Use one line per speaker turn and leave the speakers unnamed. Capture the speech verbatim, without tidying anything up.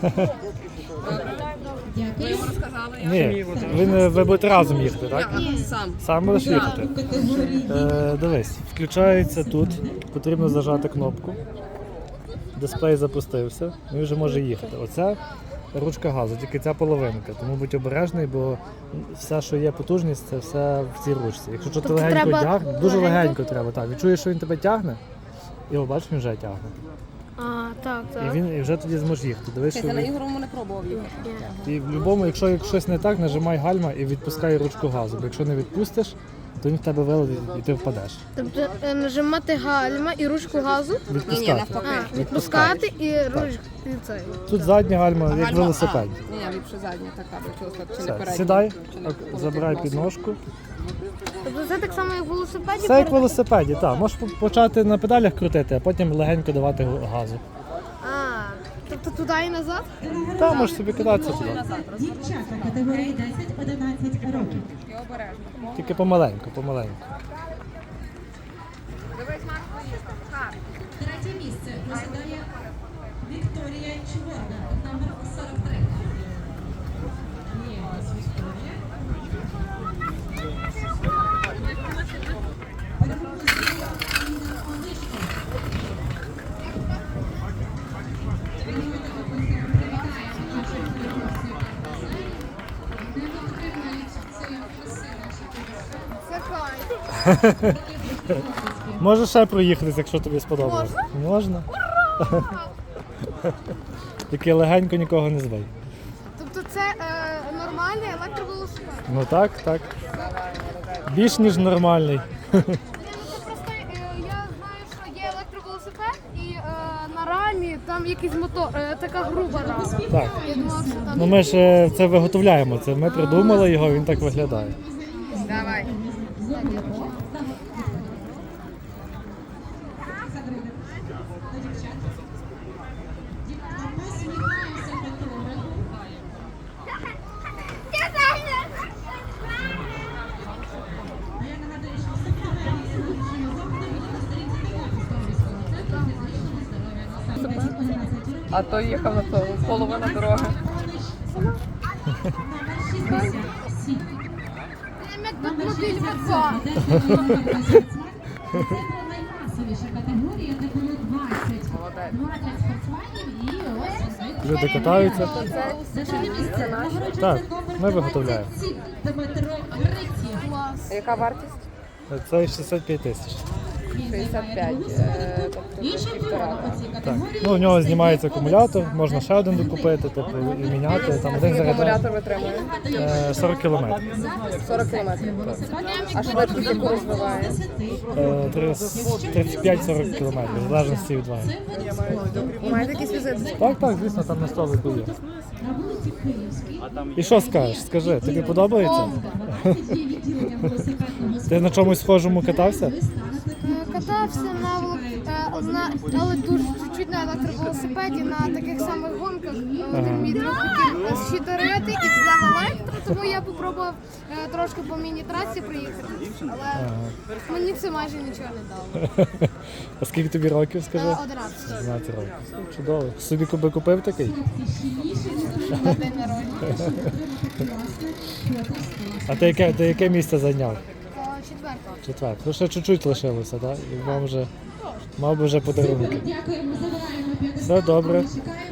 Ви йому розказали?
Ні, ви, не, ви будете разом їхати, так?
Ні, сам.
Сам будеш їхати? Е, дивись, включається тут, потрібно зажати кнопку. Дисплей запустився, він вже може їхати. Оце ручка газу, тільки ця половинка, тому будь обережний, бо все, що є потужність, це все в цій ручці. Якщо ти
Тобто
легенько
треба
тягне, дуже
легенько?
легенько треба, так. Відчуєш, що він тебе тягне, і о, бачиш, він вже тягне.
А, так,
І
так.
він і вже тоді зможе їхати. Дивись, що
Я на
він...
ігрому не пробував їхати.
І в будь-якому, якщо як щось не так, нажимай гальма і відпускай ручку газу. Бо якщо не відпустиш, то він в тебе вилетить і ти впадеш.
Тобто е, нажимати гальма і ручку газу,
Відпускати.
Ні, ні, навпаки.
а, відпускати і ручку і цей.
Тут задня гальма, як
Гальма-
велосипед.
А, Ні, ні, ліпше задня така, бо чогось так чи не
Все,
передня.
сідай,
чи не
ок,
полетить
забирай
носом.
підножку.
Тобто це так само, як в велосипеді?
Все як в
перед-
велосипеді, так. Можеш по- почати на педалях крутити, а потім легенько давати г- газу.
А, тобто туди і назад?
Та, можеш собі кидатися туди.
Дівчата категорії десять одинадцять років.
І обережно.
Тільки помаленьку, помаленьку.
Дивись, Марк, поїздка. Хар.
Третє місце посідає Вікторія Чворна, номер сорок три. Є у нас Вікторія.
Це кайф.
Можеш ще проїхатись, якщо тобі сподобалось. Можна? Тільки легенько нікого не збий.
Тобто це е, нормальний електровелосипед?
Ну так, так. Більш ніж нормальний.
Ні, ну це просто е, я знаю, що є електровелосипед і е, на рамі там якийсь мотор, е, така груба рама.
Так.
Я думала, що там...
Ну ми ж е, це виготовляємо. Це ми придумали його, він так виглядає.
Давай. А то їхав на то, половина дороги.
Як тут мобіль Ватса.
Це була наймасовіша категорія, де було двадцять. двадцять спортсменів і ось
Люди катаються.
за третє місце нагороджується
Так,
номер
ми виготовляємо.
двадцять сім Дмитро Гриців.
Клас.
Яка вартість?
Це шістдесят п'ять тисяч.
шістдесят п'ять. е, Тобто
Інша
півтора.
нагорода у цій
Так.
категорії.
Ну, у нього знімається акумулятор, можна ще один докупити, тобто і міняти. Там один заряджає
Акумулятор витримує?
е, сорок кілометрів.
сорок кілометрів. А швидкість яку розвиває?
Е, тридцять п'ять сорок кілометрів, в залежності від ваги.
Маєте якісь візити?
Так, так, звісно, там на столику є.
На вулиці Київській.
І що скажеш? Скажи, тобі подобається?
двадцять є відділення велосипедного
Ти на чомусь схожому катався?
Е, Катався на, вело- е, на але дуже чуть-чуть на електровелосипеді на таких самих гонках. Е, Один мій друг хотів е, щитарити і взяв електро, тому я попробував е, трошки по міні-трасі приїхати. Але мені це майже нічого не дало.
А скільки тобі років, скажи?
Е, одинадцять
одинадцять років. Чудово. Собі би купив такий?
на день народження.
А ти яке, ти яке місце зайняв?
Е, Четверте.
Четверте. Ну ще чуть-чуть лишилося, так? І вам вже мав би вже подарунки.
Дякуємо, забираємо п'ятдесят.
Все добре.
Чекаємо